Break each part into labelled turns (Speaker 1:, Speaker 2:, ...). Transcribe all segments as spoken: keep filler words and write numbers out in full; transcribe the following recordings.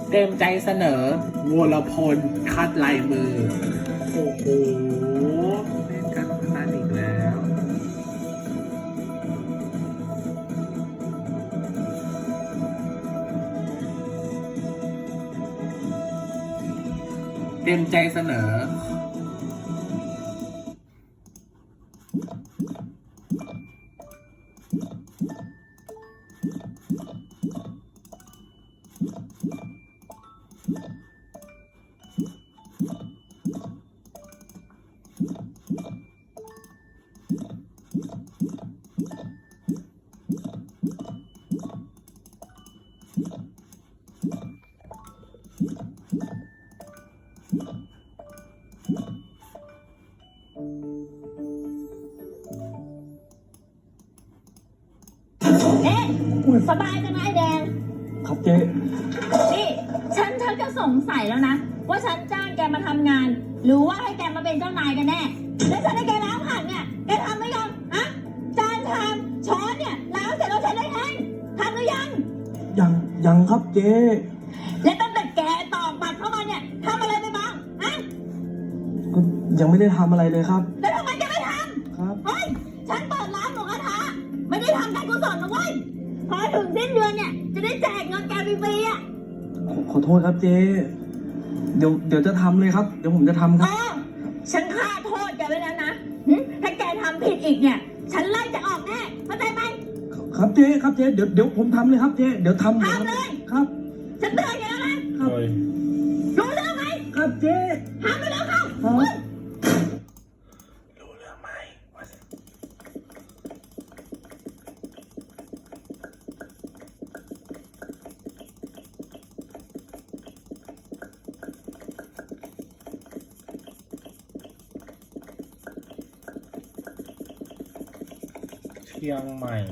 Speaker 1: เต็มใจเสนอวรพลคัดลายมือโอ้โหเล่นการพนันอีกแล้วเต็มใจเสนอ
Speaker 2: เอ๊ะสบายจังนะไอ้แดง
Speaker 3: ครับเจ๊
Speaker 2: นี่ฉันฉันจะสงสัยแล้วนะว่าฉันจ้างแกมาทำงาน หรือว่าให้แกมาเป็นเจ้านายกันแน่แล้วฉันให้แกล้างผักเนี่ยแกทำหรือยังฮะจานชามช้อนเนี่ยล้างเสร็จแล้วฉันได้เองทำหรือยัง
Speaker 3: ยังยังครับเจ๊
Speaker 2: และตั้งแต่แกตอกบัตรเข้ามาเนี่ยทำอะไรไปบ้างฮะ
Speaker 3: ก็ยังไม่ได้ทำอะไรเลยครับ
Speaker 2: แล้วทำไมแกไม่ท
Speaker 3: ครับ
Speaker 2: ำเฮ้ยฉันเปิดร้านหมูกระทะไม่ได้ทำการกุศลนะเว้ยพอถึงสิ้นเดือนเนี่ยจะได้แจกเงินแกฟรีๆอ่ะ
Speaker 3: ขอขอโทษครับเจ๊เดี๋ยวเดี๋ยวจะทำเลยครับ เดี๋ยวผมจะทำค
Speaker 2: เอ
Speaker 3: รับ
Speaker 2: อฉันฆ่าโทษแกไว้แล้วนะหึถ้าแกทำผิดอีกเนี่ย ฉันไล่จะออกแน่เข้าใจไหม
Speaker 3: ครับเจ๊ครับเจ๊เดี๋ยวเดี๋ยวผมทำเลยครับเจ๊เดี๋ยวทำ
Speaker 2: ทำเลย
Speaker 3: ครับ
Speaker 2: ฉันเตือนแกแล้วนะ
Speaker 3: ครับ
Speaker 2: รู้เรื่องไหม
Speaker 3: ครับเจ๊
Speaker 2: ทำไปแล้วเข้า
Speaker 3: ครับ
Speaker 2: เฮ้ย
Speaker 1: รู้เรื่องไหมว่าเชียงใหม่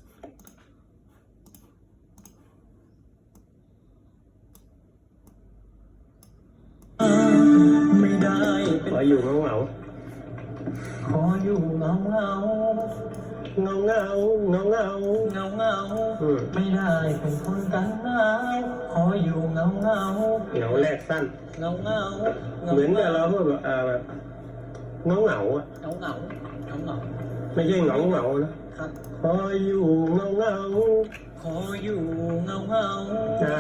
Speaker 3: ไม่ได้เป็น
Speaker 4: ขออยู่เงาเงา
Speaker 3: ขออยู่เงาเงา
Speaker 4: เงาเงาเงาเงา
Speaker 3: เงาเงา
Speaker 4: อืม
Speaker 3: ไม่ได้เป็นคนกันหนาวขออยู่เงาเงา
Speaker 4: เหงาแรกสั้น
Speaker 3: เงาเงา
Speaker 4: เหมือนกับเราแบบอ่าแบบเงาเงาอ่ะ
Speaker 3: เงาเงาเงาเงา
Speaker 4: ไม่ใช่เหงาเงานะครับ ขออยู่เงาเงา
Speaker 3: ขออยู่เงาเงา
Speaker 4: จ้า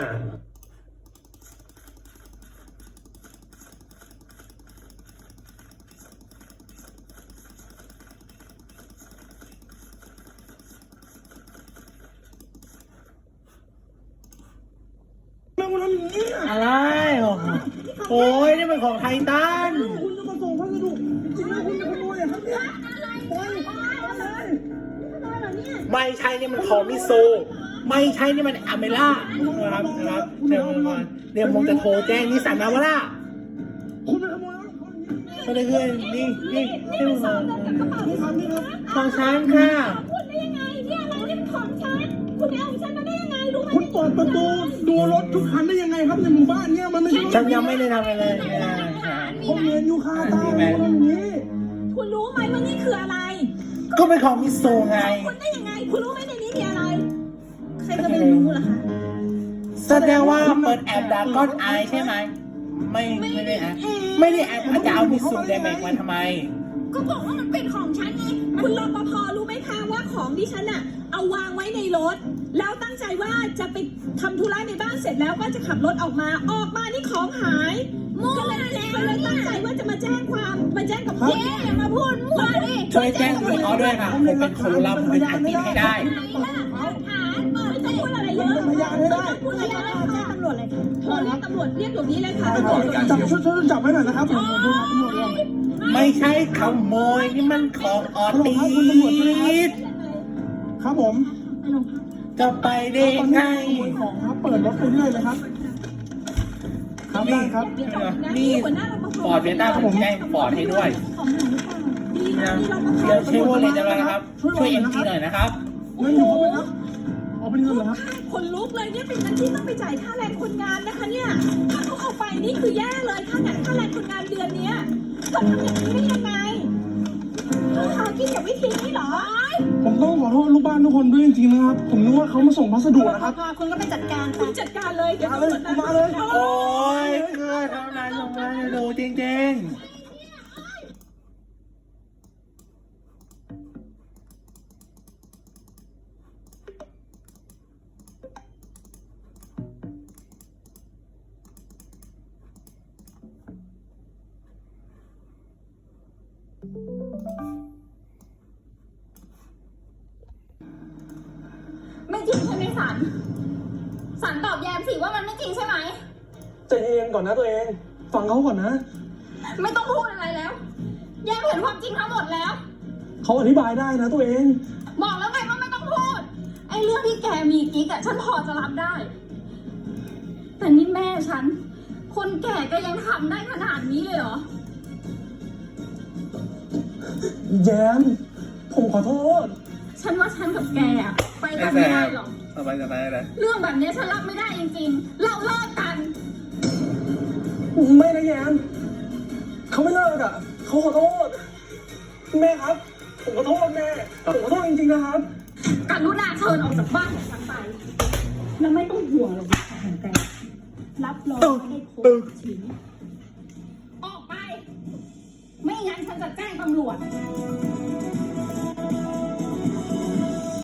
Speaker 1: อะไรโอ้ยนี่มันของไททัน
Speaker 3: คุณจะมาส่งพัสดุจริงๆแล้วคุณจะขโมยเหรอครับเนี่ยไปไป
Speaker 1: ไม่ใช่นี่มันของมิซูไม่ใช่นี่มันอเมล่าครับครับเดี๋ยวก่อนเดี๋ยวผมจะโทรแจ้งนิสสันนาวาร่า
Speaker 3: คุณไปขโมยรถเขาอย่างนี้
Speaker 1: ก็เลยเพื่อนนี่นี่นี่มันของ
Speaker 3: นี่ครับนี่ครับ
Speaker 1: ของฉันค่ะ
Speaker 2: คุณได้ยังไงเนี่ยอะไรนี่เป็นของฉันคุณไปเอาของฉันมาได้ยังไงรู้ไหม
Speaker 3: คุณเปิดประตูดูรถทุกคันได้ยังไงครับในหมู่บ้านเนี่ยมันไม่ใช่รถ
Speaker 1: ฉันยังไม่ได้ทำอะไรเลย
Speaker 3: ผมเรียนอยู่คาตาคุณอย่างนี้
Speaker 2: คุณรู้ไหมว่านี่คืออะไร
Speaker 1: ก็เป็นของมิซูไง
Speaker 2: คุณได้ยังไง คุณรู้ไหมในนี้มีอะไร ใครจะไปรู้ล่ะคะ
Speaker 1: แสดงว่าเปิดแอปดาก้อนไอใช่ไหมไม่ไม่ได้แอปไม่ได้แอปจะเอามิซูเดแมกมาทำไม
Speaker 2: ก็บอกว่ามันเป็นของฉันไง คุณรปภรู้ไหมคะว่าของที่ฉันอะเอาวางไว้ในรถ แล้วตั้งใจว่าจะไปทำธุระในบ้านเสร็จแล้วก็จะขับรถออกมา ออกมานี่ของหายมั่วแล้วก็เลยตั้งใจว่าจะมาแจ้งความมาแจ้งกับเจ๊อย่ามาพูดมั่วดิ
Speaker 1: ช่วยแจ้งตำรวจเขาด้วยค่ะผมเป็นคนรับเป็นอาชีพให้ได้
Speaker 2: หาไม่ต้องพูดอะไรเยอะไม่ต้องพูดอะไรเยอะแจ้งตำรวจเลยค่ะโทรเรียกตำรวจเรียกเดี๋ยวนี้เลยค่ะตำรวจ
Speaker 3: จับช่วยช่วยจับไว้หน่อยนะครับผมดูครับตำรวจครับ
Speaker 1: ไม่ใช่ขโมยนี่มันของออตีส
Speaker 3: ครับผม
Speaker 1: จะไปได้
Speaker 3: ตอน
Speaker 1: ไง
Speaker 3: นี้ขโมยของครับเปิดรถไปเรื่อยเลยครับครับได้ครับ
Speaker 1: นี่ฟอร์ดเบต้าผมแจ้งฟอร์ดให้ด้วยเดี๋ยวเชฟโรเลตจะมานะครับ ช่วยเอ็มทีหน่อยนะครับ
Speaker 3: เงินอยู่ครบไหมครับเอาเป็นเงินเหรอครับ
Speaker 2: คนลุกเลยเนี่ยเป็นเงินที่ต้องไปจ่ายค่าแรงคนงานนะคะเนี่ยถ้าเขาเอาไปนี่คือแย่เลยค่าแรงค่าแรงคนงานเดือนเนี้ยเขาทำอย่างนี้ได้ยังไงเขาหากินอย่างวิธีนี้เหรอ
Speaker 3: ผมต้องขอโทษลูกบ้านทุกคนด้วยจริงๆนะครับ ผมนึกว่าเขามาส่งพัสดุนะครับ
Speaker 5: พอคุณก็ไปจัดการ
Speaker 2: คุณจัดการเลยเดี๋ยว
Speaker 3: มาเลย
Speaker 2: ตำรวจ
Speaker 3: มาเลย
Speaker 1: โอ้ยเพื่อนทำนายส่งมาให้ดูจริงๆ
Speaker 5: ไม่จริงใช่ไหมสันสันตอบแยมสิว่ามันไม่จริงใช่ไหม
Speaker 3: ใจเย็นก่อนนะตัวเอง ฟังเขาก่อนนะ
Speaker 5: ไม่ต้องพูดอะไรแล้ว แยมเห็นความจริงทั้งหมดแล้ว
Speaker 3: เขาอธิบายได้นะตัวเอง
Speaker 5: บอกแล้วไงว่าไม่ต้องพูด ไอ้เรื่องที่แกมีกิ๊กอะฉันพอจะรับได้ แต่นี่แม่ฉัน คนแก่ก็ยังทำได้ขนาดนี้เลยเหรอ
Speaker 3: แย้ม ผมขอโทษ
Speaker 5: ฉันว่าฉันกับแกอะไปกันไม่ได้หรอก
Speaker 1: สบายสบายเลย
Speaker 5: เรื่องแบบนี้ฉันรับไม่ได้จริงๆ เราเลิกกัน
Speaker 3: ไม่นะแย้มเขาไม่เลิกอ่ะ เขาขอโทษ แม่ครับ ผมขอโทษแม่ ผมขอโทษจริงๆนะครับ
Speaker 5: กรุณาเชิญออกจากบ้านของฉันไป แล้วไม่ต้องห่วงหรอกว่าของแกรับรองไม่ได้โคตรชิ้นออกไป ไม่งั้นฉันจะแจ้งตำรวจ